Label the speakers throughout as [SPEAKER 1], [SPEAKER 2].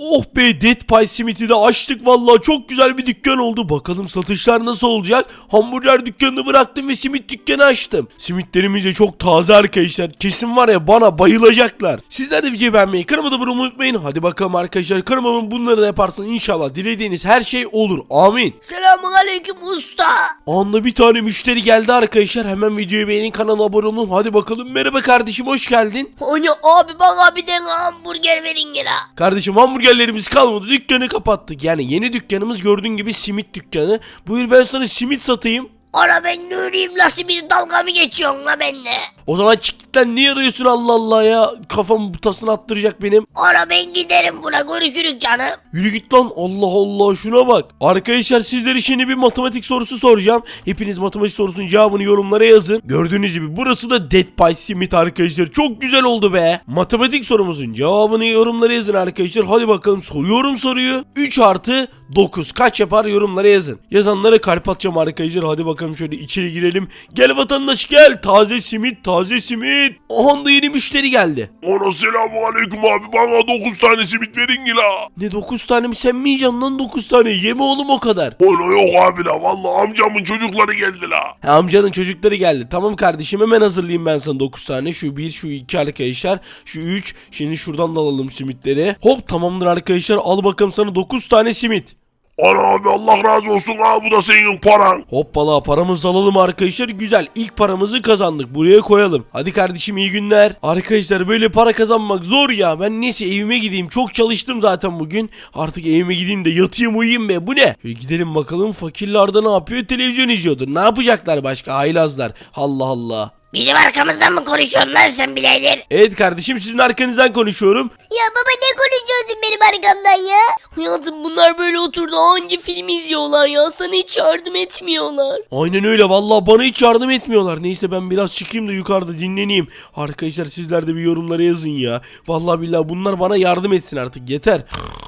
[SPEAKER 1] Oh be, Dead Pie Smith'i de açtık vallahi, çok güzel bir dükkan oldu. Bakalım satışlar nasıl olacak? Hamburger dükkanını bıraktım ve simit dükkanı açtım. Simitlerimiz de çok taze arkadaşlar. Kesin var ya, bana bayılacaklar. Sizler de videoyu beğenmeyi, kanalıma da abone olmayı unutmayın. Hadi bakalım arkadaşlar, kanalıma bunları da yaparsanız inşallah dilediğiniz her şey olur. Amin.
[SPEAKER 2] Selamünaleyküm usta.
[SPEAKER 1] Anla bir tane müşteri geldi arkadaşlar. Hemen videoyu beğenin, kanala abone olun. Hadi bakalım. Merhaba kardeşim, hoş geldin.
[SPEAKER 2] Hani abi bana bir tane hamburger verin ya.
[SPEAKER 1] Kardeşim, hamburgerlerimiz kalmadı. Dükkanı kapattık. Yani yeni dükkanımız gördüğün gibi simit dükkanı. Buyur, ben sana simit satayım.
[SPEAKER 2] Ana ben nürüyüm, nasıl bir dalga mı geçiyorsun la benimle?
[SPEAKER 1] O zaman çık git lan, niye arıyorsun Allah Allah ya? Kafamı butasını attıracak benim.
[SPEAKER 2] Ana ben giderim, buna görüşürük canım.
[SPEAKER 1] Yürü git lan, Allah Allah, şuna bak. Arkadaşlar, sizlere şimdi bir matematik sorusu soracağım. Hepiniz matematik sorusunun cevabını yorumlara yazın. Gördüğünüz gibi burası da Dead Pie Smith arkadaşlar. Çok güzel oldu be. Matematik sorumuzun cevabını yorumlara yazın arkadaşlar. Hadi bakalım, soruyorum soruyu. 3 artı 9 kaç yapar, yorumlara yazın. Yazanlara kalp atacağım arkadaşlar. Hadi bakalım, şöyle içeri girelim. Gel vatandaş gel. Taze simit, taze simit. Aha da yeni müşteri geldi.
[SPEAKER 3] Ana selamünaleyküm abi, bana 9 tane simit verin la.
[SPEAKER 1] Ne 9 tane mi, sen mi yiyeceksin lan 9 tane? Yeme oğlum o kadar.
[SPEAKER 3] Ana yok abi la, vallahi amcamın çocukları geldi la.
[SPEAKER 1] Amcanın çocukları geldi. Tamam kardeşim, hemen hazırlayayım ben sana 9 tane. Şu 1, şu 2 arkadaşlar. Şu 3. Şimdi şuradan da alalım simitleri. Hop, tamamdır arkadaşlar. Al bakalım sana 9 tane simit.
[SPEAKER 3] Ana abi Allah razı olsun ha, bu da senin paran.
[SPEAKER 1] Hoppala, paramızı alalım arkadaşlar. Güzel, ilk paramızı kazandık. Buraya koyalım. Hadi kardeşim, iyi günler. Arkadaşlar, böyle para kazanmak zor ya. Ben neyse evime gideyim. Çok çalıştım zaten bugün. Artık evime gideyim de yatayım uyuyayım be. Bu ne? Şöyle gidelim bakalım, fakirler de ne yapıyor? Televizyon izliyordur. Ne yapacaklar başka haylazlar? Allah Allah.
[SPEAKER 2] Bizim arkamızdan mı konuşuyorsun lan sen birader?
[SPEAKER 1] Evet kardeşim, sizin arkanızdan konuşuyorum.
[SPEAKER 2] Ya baba ne konuşuyorsun benim arkamdan ya? Hayatım, bunlar böyle oturdu anca film izliyorlar ya, sana hiç yardım etmiyorlar.
[SPEAKER 1] Aynen öyle vallahi, bana hiç yardım etmiyorlar. Neyse ben biraz çıkayım da yukarıda dinleneyim. Arkadaşlar, sizler de bir yorumlara yazın ya. Vallahi billahi bunlar bana yardım etsin artık, yeter.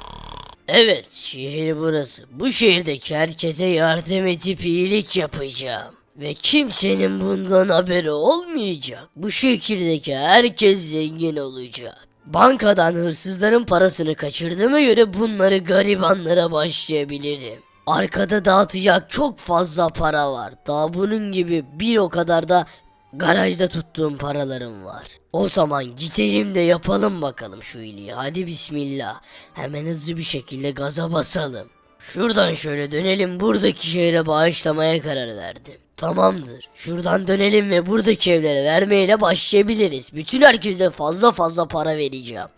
[SPEAKER 2] Evet, şehir burası. Bu şehirdeki herkese yardım edip iyilik yapacağım. Ve kimsenin bundan haberi olmayacak. Bu şehirdeki herkes zengin olacak. Bankadan hırsızların parasını kaçırdığıma göre bunları garibanlara başlayabilirim. Arkada dağıtacak çok fazla para var. Daha bunun gibi bir o kadar da garajda tuttuğum paralarım var. O zaman gidelim de yapalım bakalım şu iyiliği. Hadi bismillah. Hemen hızlı bir şekilde gaza basalım. Şuradan şöyle dönelim, buradaki şehre bağışlamaya karar verdim. Tamamdır. Şuradan dönelim ve buradaki evlere vermeyle başlayabiliriz. Bütün herkese fazla fazla para vereceğim.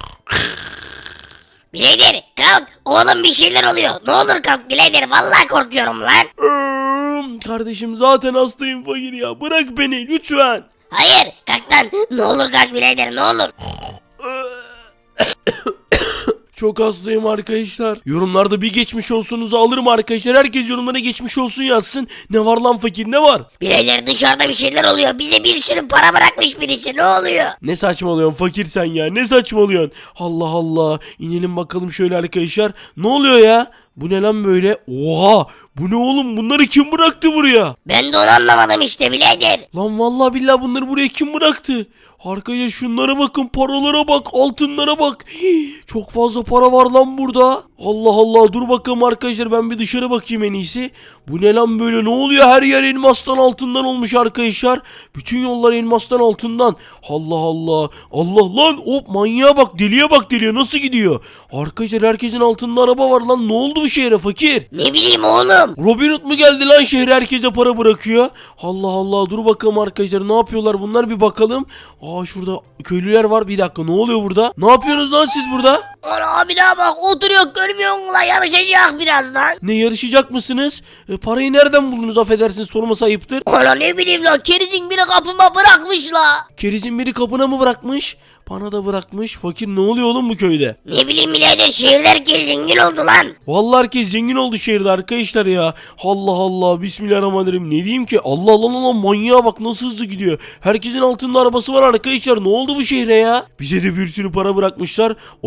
[SPEAKER 2] Birader kalk, oğlum bir şeyler oluyor. Ne olur kalk birader, vallahi korkuyorum lan.
[SPEAKER 1] Kardeşim, zaten hastayım fakir ya. Bırak beni lütfen.
[SPEAKER 2] Hayır kalk lan, ne olur kalk birader, ne olur.
[SPEAKER 1] Çok hastayım arkadaşlar. Yorumlarda bir geçmiş olsunuzu alırım arkadaşlar. Herkes yorumlara geçmiş olsun yazsın. Ne var lan fakir, ne var?
[SPEAKER 2] Birader dışarıda bir şeyler oluyor. Bize bir sürü para bırakmış birisi, ne oluyor?
[SPEAKER 1] Ne saçmalıyorsun fakir sen ya, ne saçmalıyorsun? Allah Allah, inelim bakalım şöyle arkadaşlar. Ne oluyor ya? Bu ne lan böyle? Oha, bu ne oğlum, bunları kim bıraktı buraya?
[SPEAKER 2] Ben de onu anlamadım işte birader.
[SPEAKER 1] Lan vallahi billahi bunları buraya kim bıraktı? Arkadaşlar şunlara bakın, paralara bak, altınlara bak. Hii, çok fazla para var lan burada. Allah Allah, dur bakalım arkadaşlar, ben bir dışarı bakayım en iyisi. Bu ne lan böyle, ne oluyor? Her yer elmastan altından olmuş arkadaşlar. Bütün yollar elmastan altından. Allah Allah. Allah lan, hop, manyağa bak, deliye bak, deliye nasıl gidiyor? Arkadaşlar herkesin altında araba var lan, ne oldu bu şehre fakir?
[SPEAKER 2] Ne bileyim oğlum.
[SPEAKER 1] Robin Hood mu geldi lan şehre, herkese para bırakıyor? Allah Allah, dur bakalım arkadaşlar, ne yapıyorlar bunlar, bir bakalım. Aa, şurada köylüler var, bir dakika, ne oluyor burada? Ne yapıyorsunuz lan siz burada?
[SPEAKER 2] Ana abi ne bak, oturuyor görmüyor musun lan, yarışacak birazdan.
[SPEAKER 1] Ne, yarışacak mısınız? Parayı nereden buldunuz, affedersiniz sorması ayıptır.
[SPEAKER 2] Ana ne bileyim lan, kerizin biri kapıma bırakmış la.
[SPEAKER 1] Kerizin biri kapına mı bırakmış? Bana da bırakmış. Fakir, ne oluyor oğlum bu köyde?
[SPEAKER 2] Ne bileyim birader, şehirde herkes zengin oldu lan.
[SPEAKER 1] Vallahi herkes zengin oldu şehirde arkadaşlar ya. Allah Allah, bismillahirrahmanirrahim. Ne diyeyim ki? Allah Allah Allah, manyağa bak nasıl hızlı gidiyor. Herkesin altında arabası var arkadaşlar. Ne oldu bu şehre ya? Bize de bir sürü para bırakmışlar. O zaman biz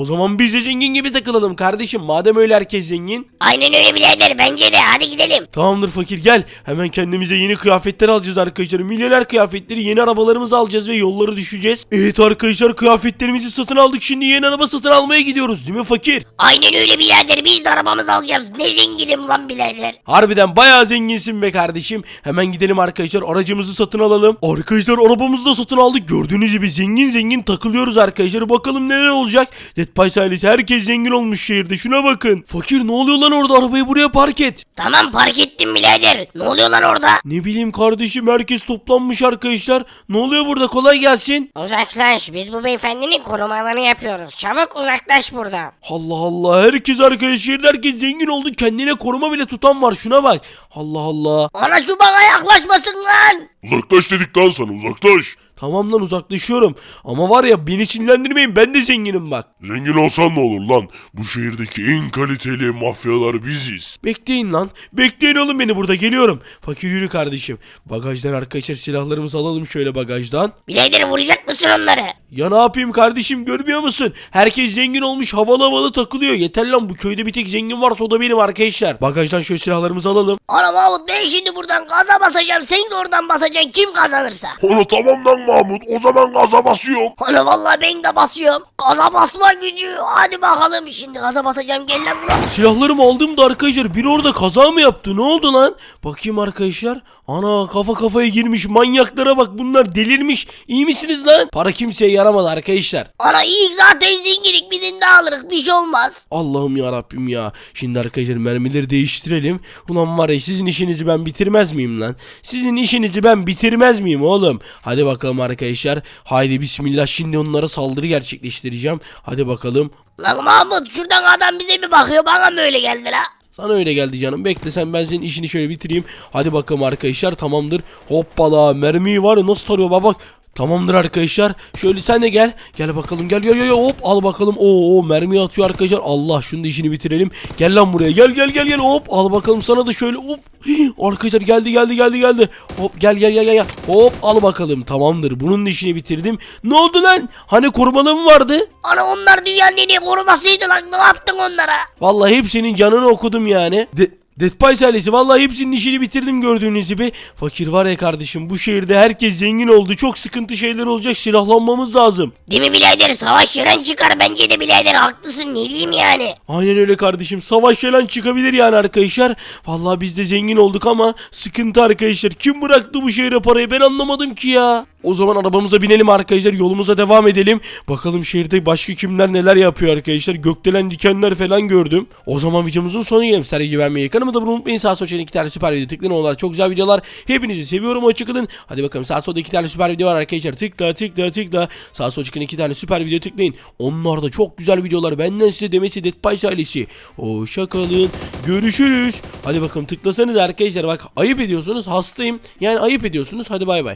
[SPEAKER 1] biz de zengin gibi takılalım kardeşim. Madem öyle herkes zengin.
[SPEAKER 2] Aynen öyle birader, bence de, hadi gidelim.
[SPEAKER 1] Tamamdır fakir, gel. Hemen kendimize yeni kıyafetler alacağız arkadaşlar. Milyoner kıyafetleri, yeni arabalarımızı alacağız ve yolları düşeceğiz. Evet arkadaşlar, kıyafetlerimizi satın aldık. Şimdi yeni araba satın almaya gidiyoruz değil mi fakir?
[SPEAKER 2] Aynen öyle birader, biz de arabamızı alacağız. Ne zenginim lan birader.
[SPEAKER 1] Harbiden bayağı zenginsin be kardeşim. Hemen gidelim arkadaşlar, aracımızı satın alalım. Arkadaşlar arabamızı da satın aldık. Gördüğünüz gibi zengin zengin takılıyoruz arkadaşlar. Bakalım neler olacak. Dead Pies ailesi, herkes zengin olmuş şehirde. Şuna bakın. Fakir, ne oluyor lan orada? Arabayı buraya park et.
[SPEAKER 2] Tamam, park ettim birader. Ne oluyor lan orada?
[SPEAKER 1] Ne bileyim kardeşim, herkes toplanmış arkadaşlar. Ne oluyor burada? Kolay gelsin.
[SPEAKER 2] Uzaklaş, biz bu beyefendinin korumalarını yapıyoruz. Çabuk uzaklaş buradan.
[SPEAKER 1] Allah Allah, herkes arkadaşlar, herkes zengin oldu. Kendine koruma bile tutan var, şuna bak. Allah Allah.
[SPEAKER 2] Ana şu bana yaklaşmasın lan.
[SPEAKER 3] Uzaklaş dedik lan sana, uzaklaş.
[SPEAKER 1] Tamam lan, uzaklaşıyorum. Ama var ya, beni sinirlendirmeyin, ben de zenginim bak.
[SPEAKER 3] Zengin olsan ne olur lan? Bu şehirdeki en kaliteli mafyalar biziz.
[SPEAKER 1] Bekleyin lan. Bekleyin oğlum, beni burada geliyorum. Fakir yürü kardeşim. Bagajdan arkadaşlar silahlarımızı alalım şöyle bagajdan.
[SPEAKER 2] Birader, vuracak mısın onları?
[SPEAKER 1] Ya ne yapayım kardeşim, görmüyor musun? Herkes zengin olmuş, havalı havalı takılıyor. Yeter lan, bu köyde bir tek zengin varsa o da benim arkadaşlar. Bagajdan şöyle silahlarımızı alalım.
[SPEAKER 2] Ana Mahmut, ben şimdi buradan gaza basacağım. Sen de oradan basacaksın, kim kazanırsa.
[SPEAKER 3] Onu tamam lan Mahmut, o zaman gaza basıyorum.
[SPEAKER 2] Ana vallahi ben de basıyorum. Gaza basma gücü. Hadi bakalım, şimdi gaza basacağım, gel lan buraya.
[SPEAKER 1] Silahlarımı aldım da arkadaşlar, biri orada kaza mı yaptı? Ne oldu lan? Bakayım arkadaşlar. Ana, kafa kafaya girmiş, manyaklara bak, bunlar delirmiş. İyi misiniz lan? Para kimseye yaramadı arkadaşlar.
[SPEAKER 2] Ana ilk zaten zenginlik, birini de alırız, bir şey olmaz.
[SPEAKER 1] Allah'ım ya Rabbim ya. Şimdi arkadaşlar mermileri değiştirelim. Ulan var ya, sizin işinizi ben bitirmez miyim lan? Sizin işinizi ben bitirmez miyim oğlum? Hadi bakalım arkadaşlar. Haydi bismillah, şimdi onlara saldırı gerçekleştireceğim. Hadi bakalım.
[SPEAKER 2] Lan Mahmut, şuradan adam bize bir bakıyor, bana mı öyle geldi la?
[SPEAKER 1] Sana öyle geldi canım. Bekle sen, ben senin işini şöyle bitireyim. Hadi bakalım arkadaşlar, tamamdır. Hoppala, mermiyi var ya nasıl tarıyor bak. Tamamdır arkadaşlar. Şöyle sen de gel. Gel bakalım, gel gel gel, hop al bakalım. Oo, mermi atıyor arkadaşlar. Allah, şunu da işini bitirelim. Gel lan buraya. Gel gel gel gel, hop al bakalım sana da şöyle, hop. Arkadaşlar geldi. Hop gel gel gel gel. Hop al bakalım. Tamamdır. Bunun da işini bitirdim. Ne oldu lan? Hani korumalığım vardı?
[SPEAKER 2] Ana onlar dünyanın en iyi korumasıydı lan, ne yaptın onlara?
[SPEAKER 1] Vallahi hepsinin canını okudum yani. Dead Pies ailesi, vallahi hepsinin işini bitirdim gördüğünüz gibi. Fakir var ya kardeşim, bu şehirde herkes zengin oldu. Çok sıkıntı şeyler olacak, silahlanmamız lazım.
[SPEAKER 2] Değil mi birader, savaş yaran çıkar, bence de birader haklısın, ne diyeyim yani.
[SPEAKER 1] Aynen öyle kardeşim, savaş falan çıkabilir yani arkadaşlar. Vallahi biz de zengin olduk ama sıkıntı arkadaşlar. Kim bıraktı bu şehre parayı, ben anlamadım ki ya. O zaman arabamıza binelim arkadaşlar, yolumuza devam edelim. Bakalım şehirde başka kimler neler yapıyor arkadaşlar. Gökdelen dikenler falan gördüm. O zaman videomuzun sonuna gelelim. Sergi beğenmeyi, kanalıma da unutmayın. Sağ sol iki tane süper video tıklayın, onlar çok güzel videolar. Hepinizi seviyorum, hoşçakalın. Hadi bakalım, sağ solda 2 tane süper video var arkadaşlar. Tıkla. Sağ sol çıkan 2 tane süper video tıklayın. Onlar da çok güzel videolar. Benden size demesi Dead Pies ailesi. Hoşçakalın. Görüşürüz. Hadi bakalım, tıklasanız arkadaşlar, bak ayıp ediyorsunuz, hastayım. Yani ayıp ediyorsunuz. Hadi bay bay.